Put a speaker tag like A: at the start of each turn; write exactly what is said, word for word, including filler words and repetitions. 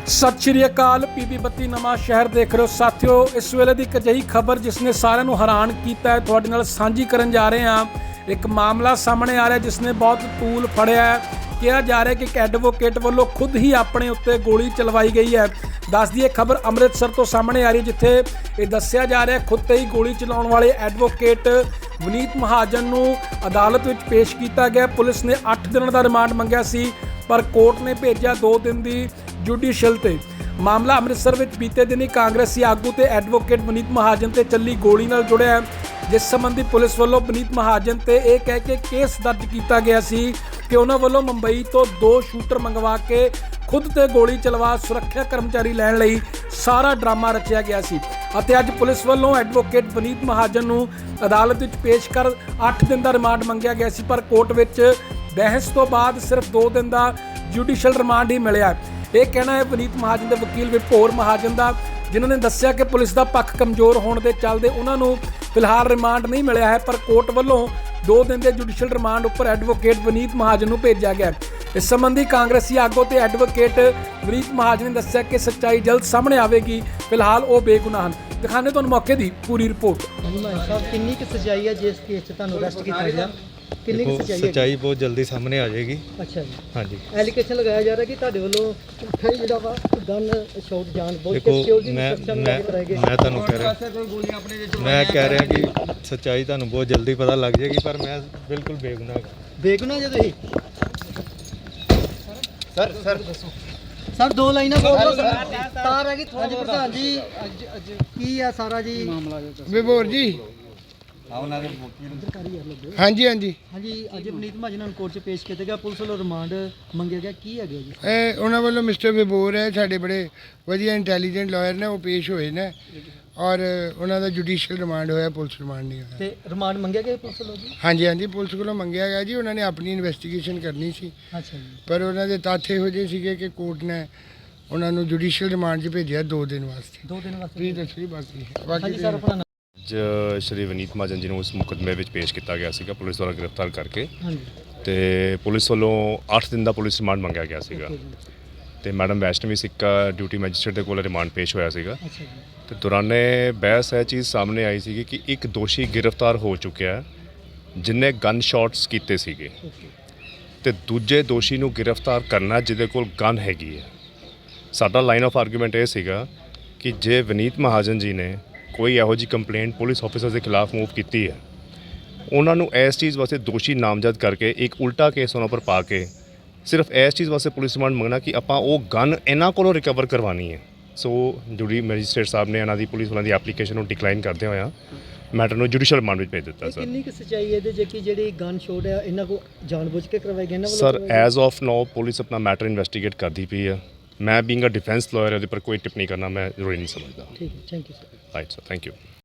A: सत श्री अकाल पीबी बत्ती नवां शहर देख रहे हो साथियों। इस वेले की एक अजिही खबर जिसने सारिਆਂ ਨੂੰ हैरान किया है तुहाडे नाल सांझी करन जा रहे हैं। एक मामला सामने आ रहा है जिसने बहुत तूल फड़िया है। कहा जा रहा है कि एक एडवोकेट वालों खुद ही अपने उत्ते गोली चलवाई गई है। दस दी खबर अमृतसर तो सामने आ रही है जिथे ये दस्सिया जा रहा है खुद ते ही गोली चलाउण वाले एडवोकेट वनीत महाजन नूं अदालत विच पेश किया गया। पुलिस ने अठ दिन का रिमांड मंगिया सी पर कोर्ट ने भेजा दो दिन की जुडिशल ते। मामला अमृतसर में बीते दिन ही कांग्रेसी आगू ते एडवोकेट वनीत महाजन ते चली गोली नाल जुड़िया है। जिस संबंधी पुलिस वालों वनीत महाजन ते यह कह के केस दर्ज किया गया सी कि उन्होंने वालों मुंबई तो दो शूटर मंगवा के खुद ते गोली चलवा सुरक्षा कर्मचारी लैण लई सारा ड्रामा रचिया गया सी। ਅਤੇ ਅੱਜ ਪੁਲਿਸ ਵੱਲੋਂ ਐਡਵੋਕੇਟ ਵਨੀਤ ਮਹਾਜਨ ਨੂੰ ਅਦਾਲਤ ਵਿੱਚ ਪੇਸ਼ ਕਰ ਅੱਠ ਦਿਨ ਦਾ ਰਿਮਾਂਡ ਮੰਗਿਆ ਗਿਆ ਸੀ ਪਰ ਕੋਰਟ ਵਿੱਚ ਬਹਿਸ ਤੋਂ ਬਾਅਦ ਸਿਰਫ ਦੋ ਦਿਨ ਦਾ ਜੁਡੀਸ਼ੀਅਲ ਰਿਮਾਂਡ ਹੀ ਮਿਲਿਆ। ਇਹ ਕਹਿਣਾ ਹੈ ਵਨੀਤ ਮਹਾਜਨ ਦੇ ਵਕੀਲ ਵਿਭੋਰ ਮਹਾਜਨ ਦਾ, ਜਿਨ੍ਹਾਂ ਨੇ ਦੱਸਿਆ ਕਿ ਪੁਲਿਸ ਦਾ ਪੱਖ ਕਮਜ਼ੋਰ ਹੋਣ ਦੇ ਚੱਲਦੇ ਉਹਨਾਂ ਨੂੰ ਫਿਲਹਾਲ ਰਿਮਾਂਡ ਨਹੀਂ ਮਿਲਿਆ ਹੈ ਪਰ ਕੋਰਟ ਵੱਲੋਂ ਦੋ ਦਿਨ ਦੇ ਜੁਡੀਸ਼ੀਅਲ ਰਿਮਾਂਡ ਉੱਪਰ ਐਡਵੋਕੇਟ ਵਨੀਤ ਮਹਾਜਨ ਨੂੰ ਭੇਜਿਆ ਗਿਆ। इस संबंधी कांग्रेसी आगू ते एडवोकेट वनीत महाजन ने दस्सिया कि सच्चाई जल्द सामने आएगी। फिलहाल वो बेगुनाह हैं। दिखाने तो मौके की पूरी रिपोर्ट।
B: कितनी की सच्चाई है जिस केस च अरेस्ट किया गया? कितनी की सच्चाई है?
C: सच्चाई बहुत जल्दी सामने आ जाएगी।
B: अच्छा जी।
C: हाँ जी।
B: एलिगेशन लगाया जा रहा है कि तुहाडे वालों फिर जिहड़ा वा गन शॉट जान बहुत
C: देखो
B: सिक्योरिटी
C: मैं
B: सुरक्षा
C: मैं
B: में कराएंगे।
C: मैं तुहानू कह रहा मैं कह रहा कि सच्चाई तुहानू बहुत जल्दी पता लग जाएगी पर मैं बिल्कुल बेगुनाह
B: बेगुनाह जे तुसीं
C: सर सर
B: सर दो लाइना बोल दो सर। तार है कि थोड़ी प्रधान जी की है सारा जी मामला
D: विभोर जी हाँ जी हाँ जी
B: हाँ जी अज वनीत महाजन ਨੂੰ ਕੋਰਟ 'ਚ ਪੇਸ਼ ਕੀਤਾ ਗਿਆ। ਪੁਲਿਸ ਵੱਲੋਂ ਰਿਮਾਂਡ ਮੰਗਿਆ ਗਿਆ, ਕੀ ਹੈਗਾ ਜੀ?
D: ਇਹ ਉਹਨਾਂ ਵੱਲੋਂ ਮਿਸਟਰ ਵਿਭੋਰ ਹੈ ਸਾਡੇ ਬੜੇ ਵਧੀਆ ਇੰਟੈਲੀਜੈਂਟ ਲਾਇਰ ਨੇ, ਉਹ ਪੇਸ਼ ਹੋਏ ਨੇ ਔਰ ਉਹਨਾਂ ਦਾ ਜੁਡੀਸ਼ੀਅਲ ਰਿਮਾਂਡ ਹੋਇਆ, ਪੁਲਿਸ ਰਿਮਾਂਡ ਨਹੀਂ ਹੋਇਆ।
B: ਤੇ ਰਿਮਾਂਡ ਮੰਗਿਆ ਗਿਆ ਪੁਲਿਸ ਵੱਲੋਂ ਜੀ?
D: ਹਾਂਜੀ ਹਾਂਜੀ ਪੁਲਿਸ ਵੱਲੋਂ ਮੰਗਿਆ ਗਿਆ ਜੀ। ਉਹਨਾਂ ਨੇ ਆਪਣੀ ਇਨਵੈਸਟੀਗੇਸ਼ਨ ਕਰਨੀ ਸੀ
B: ਅੱਛਾ ਜੀ
D: ਪਰ ਉਹਨਾਂ ਦੇ ਤੱਥ ਇਹੋ ਜਿਹੇ ਸੀਗੇ ਕਿ ਕੋਰਟ ਨੇ ਉਹਨਾਂ ਨੂੰ ਜੁਡੀਸ਼ੀਅਲ ਰਿਮਾਂਡ 'ਚ ਭੇਜਿਆ ਦੋ ਦਿਨ ਵਾਸਤੇ।
B: ਦੋ ਦਿਨ ਵਾਸਤੇ
D: ਫਰੀ ਦੱਸੀ ਬਾਕੀ
B: ਹਾਂਜੀ
D: ਬਾਕੀ
B: ਸਰ ਆਪਣਾ
E: ਅੱਜ ਸ਼੍ਰੀ ਵਨੀਤ ਮਹਾਜਨ ਜੀ ਨੂੰ ਉਸ ਮੁਕੱਦਮੇ ਵਿੱਚ ਪੇਸ਼ ਕੀਤਾ ਗਿਆ ਸੀਗਾ ਪੁਲਿਸ ਦੁਆਰਾ ਗ੍ਰਿਫਤਾਰ ਕਰਕੇ।
B: ਹਾਂਜੀ
E: ਤੇ ਪੁਲਿਸ ਵੱਲੋਂ ਅੱਠ ਦਿਨ ਦਾ ਪੁਲਿਸ ਰਿਮਾਂਡ ਮੰਗਿਆ ਗਿਆ ਸੀਗਾ ਤੇ ਮੈਡਮ ਵੈਸ਼ਨਵੀ ਸਿੱਕਾ ਡਿਊਟੀ ਮੈਜਿਸਟਰੇਟ ਦੇ ਕੋਲ ਰਿਮਾਂਡ ਪੇਸ਼ ਹੋਇਆ ਸੀਗਾ।
B: ਅੱਛਾ ਜੀ
E: ਤੇ ਦੌਰਾਨੇ ਬਹਿਸ ਇਹ ਚੀਜ਼ ਸਾਹਮਣੇ ਆਈ ਸੀਗੀ ਕਿ ਇੱਕ ਦੋਸ਼ੀ ਗ੍ਰਿਫਤਾਰ ਹੋ ਚੁੱਕਿਆ ਜਿਨੇ ਗਨ ਸ਼ਾਟਸ ਕੀਤੇ ਸੀਗੇ ਤੇ ਦੂਜੇ ਦੋਸ਼ੀ ਨੂੰ ਗ੍ਰਿਫਤਾਰ ਕਰਨਾ ਜਿਹਦੇ ਕੋਲ ਗਨ ਹੈਗੀ ਹੈ। ਸਾਡਾ ਲਾਈਨ ਆਫ ਆਰਗੂਮੈਂਟ ਇਹ ਸੀਗਾ ਕਿ ਜੇ ਵਨੀਤ ਮਹਾਜਨ ਜੀ ਨੇ ਕੋਈ ਇਹੋ ਜਿਹੀ ਕੰਪਲੇਂਟ ਪੁਲਿਸ ਆਫੀਸਰ ਦੇ ਖਿਲਾਫ ਮੂਵ ਕੀਤੀ ਹੈ ਉਹਨਾਂ ਨੂੰ ਇਸ ਚੀਜ਼ ਵਾਸਤੇ ਦੋਸ਼ੀ ਨਾਮਜ਼ਦ ਕਰਕੇ ਇੱਕ ਉਲਟਾ ਕੇਸ ਉਹਨਾਂ ਪਰ ਪਾ ਕੇ ਸਿਰਫ ਇਸ ਚੀਜ਼ ਵਾਸਤੇ ਪੁਲਿਸ ਰਿਮਾਂਡ ਮੰਗਣਾ ਕਿ ਆਪਾਂ ਉਹ ਗਨ ਇਹਨਾਂ ਕੋਲੋਂ ਰਿਕਵਰ ਕਰਵਾਉਣੀ ਹੈ। ਸੋ ਜੁਡੀ ਮੈਜਿਸਟ੍ਰੇਟ ਸਾਹਿਬ ਨੇ ਇਹਨਾਂ ਦੀ ਪੁਲਿਸ ਵਾਲਿਆਂ ਦੀ ਐਪਲੀਕੇਸ਼ਨ ਨੂੰ ਡਿਕਲਾਈਨ ਕਰਦੇ ਹੋਇਆ ਮੈਟਰ ਨੂੰ ਜੁਡੀਸ਼ੀਅਲ ਰਿਮਾਂਡ ਵਿੱਚ ਭੇਜ ਦਿੱਤਾ। ਸਰ
B: ਕਿੰਨੀ ਕੁ ਸੱਚਾਈ ਹੈ ਇਹਦੇ ਜੇ ਕਿ ਜਿਹੜੀ ਗਨ ਸ਼ੋਟ ਹੈ ਇਹਨਾਂ ਕੋ ਜਾਣਬੁੱਝ ਕੇ ਕਰਵਾਈ ਗਈ ਇਹਨਾਂ ਵੱਲੋਂ?
E: Sir as of now police ਆਪਣਾ ਮੈਟਰ ਇਨਵੈਸਟੀਗੇਟ ਕਰਦੀ ਪਈ ਹੈ। ਮੈਂ ਬੀਇੰਗ ਅ ਡਿਫੈਂਸ ਲਾਇਰ ਉਹਦੇ ਪਰ ਕੋਈ ਟਿੱਪਣੀ ਕਰਨਾ ਮੈਂ ਜ਼ਰੂਰੀ ਨਹੀਂ ਸਮਝਦਾ।
B: ਠੀਕ ਹੈ, thank you sir.
E: Right sir, thank you.